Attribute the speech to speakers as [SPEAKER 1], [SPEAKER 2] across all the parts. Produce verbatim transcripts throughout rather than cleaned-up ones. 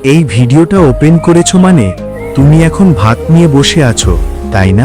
[SPEAKER 1] এই ভিডিওটা ওপেন করেছো মানে তুমি এখন ভাত নিয়ে বসে আছো, তাই না?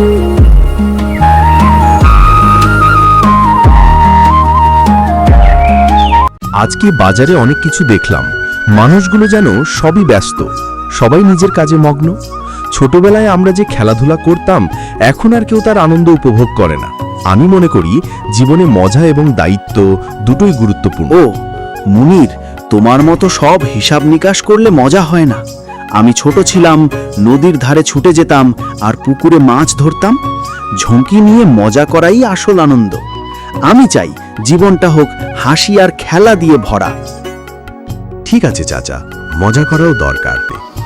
[SPEAKER 2] আজকে বাজারে অনেক কিছু দেখলাম। মানুষগুলো যেন সবই ব্যস্ত, সবাই নিজের কাজে মগ্ন। ছোটবেলায় আমরা যে খেলাধুলা করতাম, এখন আর কেউ তার আনন্দ উপভোগ করে না। আমি মনে করি জীবনে মজা এবং দায়িত্ব দুটোই গুরুত্বপূর্ণ।
[SPEAKER 3] ও মুনির, তোমার মতো সব হিসাব নিকাশ করলে মজা হয় না। আমি ছোট ছিলাম, নদীর ধারে ছুটে যেতাম আর পুকুরে মাছ ধরতাম। ঝুঁকি নিয়ে মজা করাই আসল আনন্দ। আমি চাই জীবনটা হোক হাসি আর খেলা দিয়ে ভরা।
[SPEAKER 2] ঠিক আছে চাচা, মজা করাও দরকার।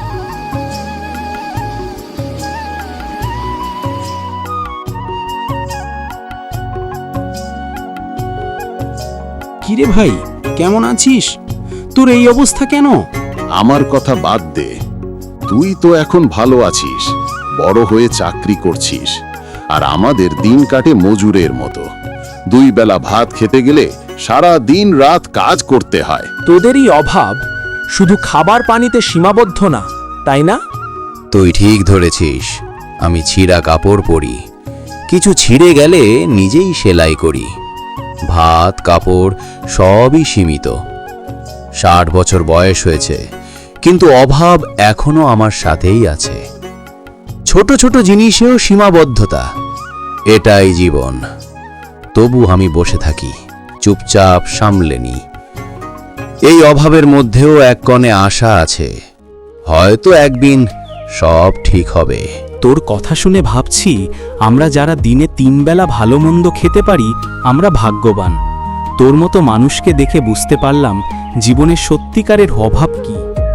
[SPEAKER 4] কিরে ভাই, কেমন আছিস? তোর এই অবস্থা কেন?
[SPEAKER 5] আমার কথা বাদ দে, তুই তো এখন ভালো আছিস, বড় হয়ে চাকরি করছিস, আর আমাদের দিন কাটে মজুরের মতো। দুই বেলা ভাত খেতে গেলে সারা দিন রাত কাজ করতে হয়।
[SPEAKER 4] তোদেরই অভাব শুধু খাবার পানিতে সীমাবদ্ধ না, তাই না?
[SPEAKER 6] তুই ঠিক ধরেছিস। আমি ছিঁড়া কাপড় পরি, কিছু ছিঁড়ে গেলে নিজেই সেলাই করি। ভাত কাপড় সবই সীমিত। ষাট বছর বয়স হয়েছে, কিন্তু অভাব এখনো আমার সাথেই আছে। ছোট ছোট জিনিসেও সীমাবদ্ধতা, এটাই জীবন। তবু আমি বসে থাকি, চুপচাপ সামলে নিই। এই অভাবের মধ্যেও এক কোণে আশা আছে, হয়তো একদিন সব ঠিক হবে।
[SPEAKER 4] তোর কথা শুনে ভাবছি, আমরা যারা দিনে তিন বেলা ভালো মন্দ খেতে পারি, আমরা ভাগ্যবান। তোর মতো মানুষকে দেখে বুঝতে পারলাম জীবনের সত্যিকারের অভাব কি।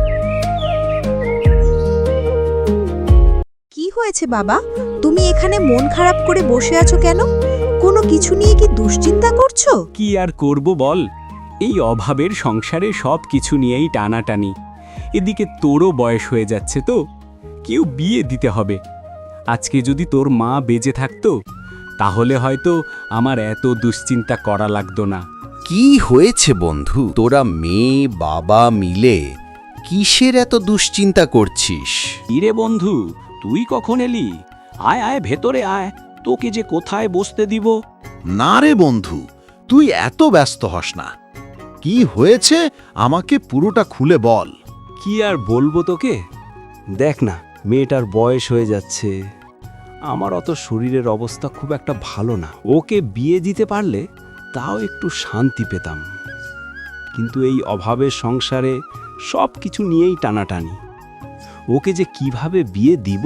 [SPEAKER 7] কি হয়েছে বাবা, তুমি এখানে মন খারাপ করে বসে আছো কেন? কোনো কিছু নিয়ে কি দুশ্চিন্তা করছো?
[SPEAKER 4] কি আর করব বল, এই অভাবের সংসারে সব কিছু নিয়েই টানাটানি। এদিকে তোরও বয়স হয়ে যাচ্ছে, তো কেউ বিয়ে দিতে হবে। আজকে যদি তোর মা বেঁচে থাকতো, তাহলে হয়তো আমার এত দুশ্চিন্তা করা লাগতো না।
[SPEAKER 6] কি হয়েছে বন্ধু, তোরা মেয়ে বাবা মিলে কিসের এত দুশ্চিন্তা করছিস?
[SPEAKER 4] ইরে বন্ধু, তুই কখন এলি? আয় আয় ভেতরে আয়, তোকে যে কোথায় বসতে দিব।
[SPEAKER 8] না রে বন্ধু, তুই এত ব্যস্ত হস না। কি হয়েছে আমাকে পুরোটা খুলে বল।
[SPEAKER 4] কি আর বলবো তোকে, দেখ না, মেয়েটার বয়স হয়ে যাচ্ছে। আমার অত শরীরের অবস্থা খুব একটা ভালো না। ওকে বিয়ে দিতে পারলে তাও একটু শান্তি পেতাম, কিন্তু এই অভাবের সংসারে সব কিছু নিয়েই টানাটানি। ওকে যে কিভাবে বিয়ে দিব।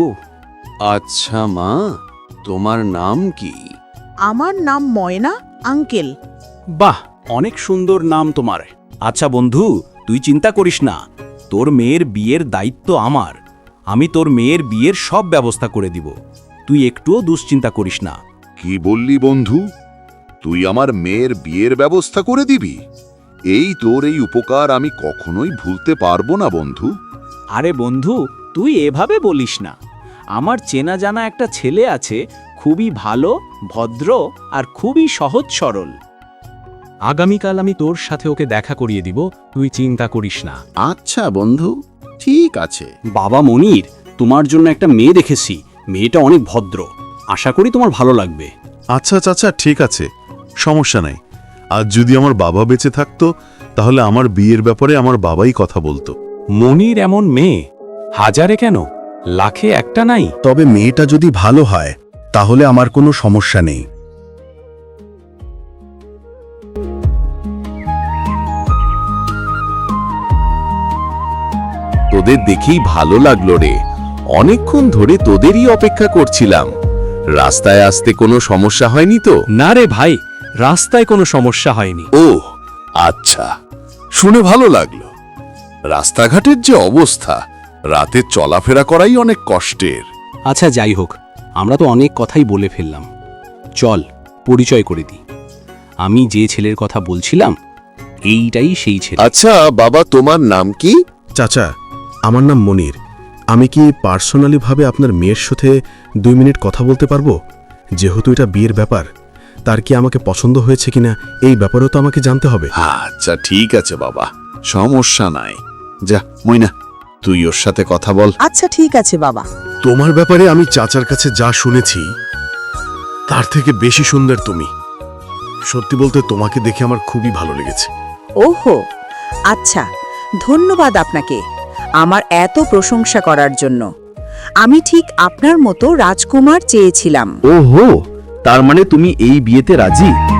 [SPEAKER 5] আচ্ছা মা, তোমার নাম কি?
[SPEAKER 7] আমার নাম ময়না আঙ্কেল।
[SPEAKER 4] বাহ, অনেক সুন্দর নাম তোমার। আচ্ছা বন্ধু, তুই চিন্তা করিস না, তোর মেয়ের বিয়ের দায়িত্ব আমার। আমি তোর মেয়ের বিয়ের সব ব্যবস্থা করে দিব, তুই একটুও দুশ্চিন্তা করিস না।
[SPEAKER 5] কি বললি বন্ধু, তুই আমার মেয়ের বিয়ের ব্যবস্থা করে দিবি? এই তোর এই উপকার আমি কখনোই ভুলতে পারবো না বন্ধু।
[SPEAKER 4] আরে বন্ধু, তুই এভাবে বলিস না। আমার চেনা জানা একটা ছেলে আছে, খুবই ভালো, ভদ্র আর খুবই সহজ সরল। আগামীকাল আমি তোর সাথে ওকে দেখা করিয়ে দিব, তুই চিন্তা করিস না।
[SPEAKER 5] আচ্ছা বন্ধু, ঠিক আছে।
[SPEAKER 4] বাবা মনির, তোমার জন্য একটা মেয়ে দেখেছি। মেয়েটা অনেক ভদ্র, আশা করি তোমার ভালো লাগবে।
[SPEAKER 9] আচ্ছা চাচা, ঠিক আছে, সমস্যা নাই। আজ যদি আমার বাবা বেঁচে থাকতো, তাহলে আমার বিয়ের ব্যাপারে আমার বাবাই কথা বলতো।
[SPEAKER 4] মনির এমন মেয়ে হাজারে কেন, লাখে একটা নাই।
[SPEAKER 2] তবে মেয়েটা যদি ভালো হয়, তাহলে আমার কোনো সমস্যা নেই। তোদের দেখেই ভালো লাগলো রে, অনেকক্ষণ ধরে তোদেরই অপেক্ষা করছিলাম। রাস্তায় আসতে কোনো সমস্যা হয়নি তো?
[SPEAKER 4] না রে ভাই, রাস্তায় কোনো সমস্যা হয়নি।
[SPEAKER 5] ও আচ্ছা, শুনে ভালো লাগলো। রাস্তাঘাটের যে অবস্থা, রাতে চলাফেরা করাই অনেক কষ্টের।
[SPEAKER 4] আচ্ছা যাই হোক, আমরা তো অনেক কথাই বলে ফেললাম। চল পরিচয় করে দিই। আমি যে ছেলের কথা বলছিলাম, এইটাই সেই ছেলে।
[SPEAKER 5] আচ্ছা বাবা, তোমার নাম কি?
[SPEAKER 2] চাচা, আমার নাম মনির। আমি কি পার্সোনালি ভাবে আপনার মেয়ের সাথে দুই মিনিট কথা বলতে পারবো? যেহেতু এটা বিয়ের ব্যাপার, তার কি আমাকে পছন্দ হয়েছে কিনা এই ব্যাপারেও তো আমাকে জানতে হবে।
[SPEAKER 5] আচ্ছা ঠিক আছে বাবা, সমস্যা নাই। যা মইনা, তুই ওর সাথে কথা বল।
[SPEAKER 7] আচ্ছা ঠিক আছে বাবা।
[SPEAKER 9] তোমার ব্যাপারে আমি চাচার কাছে যা শুনেছি তার থেকে বেশি সুন্দর তুমি। সত্যি বলতে তোমাকে দেখে আমার খুবই ভালো লেগেছে।
[SPEAKER 7] ওহো, আচ্ছা, ধন্যবাদ আপনাকে আমার এত প্রশংসা করার জন্য। আমি ঠিক আপনার মতো রাজকুমার চেয়েছিলাম।
[SPEAKER 3] ওহো, তার মানে তুমি এই বিয়েতে রাজি?